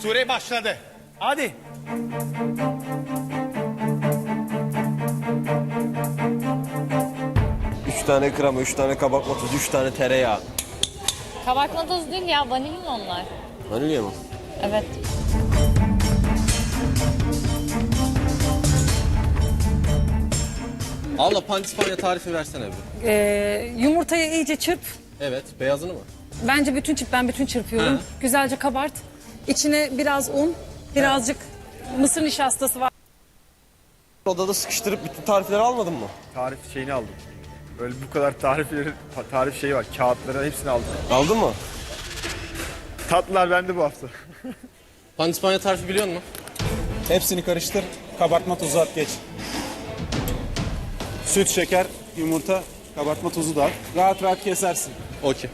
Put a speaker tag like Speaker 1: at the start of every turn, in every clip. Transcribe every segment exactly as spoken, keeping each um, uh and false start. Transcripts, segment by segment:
Speaker 1: Süre başladı.
Speaker 2: Hadi.
Speaker 3: Üç tane krema, üç tane kabartma tozu, üç tane tereyağı.
Speaker 4: Kabartma tozu değil ya, vanilin onlar.
Speaker 3: Vanilya mı?
Speaker 4: Evet.
Speaker 3: Abla pandispanya tarifi versene bir.
Speaker 5: Ee, yumurtayı iyice çırp.
Speaker 3: Evet, beyazını mı?
Speaker 5: Bence bütün çırp, ben bütün çırpıyorum.
Speaker 3: Hı.
Speaker 5: Güzelce kabart. İçine biraz un, birazcık mısır nişastası var.
Speaker 3: Odada sıkıştırıp bütün tarifleri almadın mı?
Speaker 6: Tarif şeyini aldım. Böyle bu kadar tarifleri, tarif şeyi var. Kağıtları hepsini aldım.
Speaker 3: Aldın mı?
Speaker 6: Tatlılar bende bu hafta.
Speaker 3: Pandispanya tarifi biliyor musun?
Speaker 2: Hepsini karıştır. Kabartma tozu at geç. Süt, şeker, yumurta, kabartma tozu da at. Rahat rahat kesersin.
Speaker 3: Okey.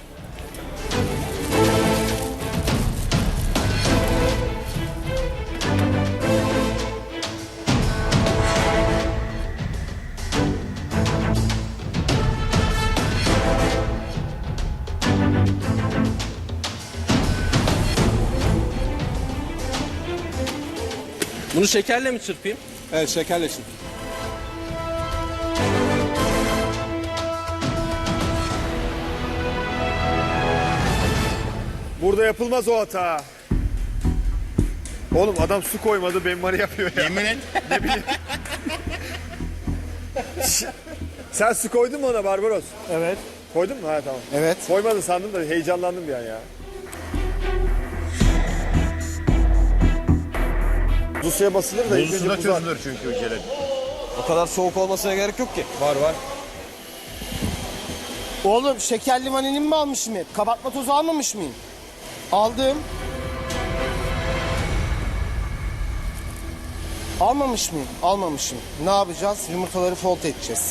Speaker 3: Bunu şekerle mi çırpayım?
Speaker 2: Evet, şekerle çırp.
Speaker 6: Burada yapılmaz o hata. Oğlum adam su koymadı, benmari yapıyor ya.
Speaker 1: Yemin et.
Speaker 6: Ne bileyim. Sen su koydun mu ona Barbaros?
Speaker 2: Evet.
Speaker 6: Koydun mu? Ha tamam.
Speaker 2: Evet.
Speaker 6: Koymadın sandım da heyecanlandım bir an ya. Buzlu suya basılır da ilk önce buzlar.
Speaker 1: çünkü o jelatin.
Speaker 3: O kadar soğuk olmasına gerek yok ki.
Speaker 6: Var var.
Speaker 7: Oğlum şekerli vanilin mi almışım hep? Kabartma tozu almamış mıyım? Aldım. Almamış mıyım? Almamışım. Ne yapacağız? Yumurtaları fold edeceğiz.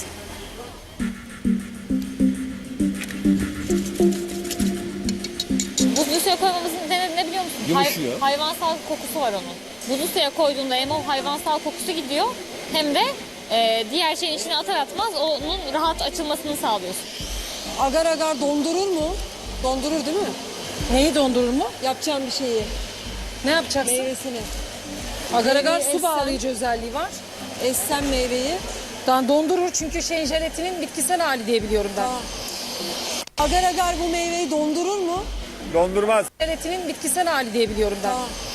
Speaker 4: Buzlu suya koymamızın nedeni ne biliyor musun?
Speaker 3: Yumuşuyor.
Speaker 4: hayvansal kokusu var onun. Buzlu suya koyduğunda hem o hayvansal kokusu gidiyor hem de e, diğer şeyin içine atar atmaz onun rahat açılmasını sağlıyorsun.
Speaker 8: Agar agar dondurur mu? Dondurur değil mi?
Speaker 5: Neyi dondurur mu?
Speaker 8: Yapacağım bir şeyi.
Speaker 5: Ne yapacaksın?
Speaker 8: Meyvesini.
Speaker 5: Agar agar
Speaker 8: Meyveyi
Speaker 5: su
Speaker 8: essen-
Speaker 5: bağlayıcı özelliği var.
Speaker 8: Essen meyveyi.
Speaker 5: Dan dondurur çünkü şeyin jelatinin bitkisel hali diye biliyorum ben.
Speaker 8: Tamam. Agar agar bu meyveyi dondurur mu?
Speaker 6: Dondurmaz.
Speaker 5: Jelatinin bitkisel hali diye biliyorum ben.
Speaker 8: Tamam.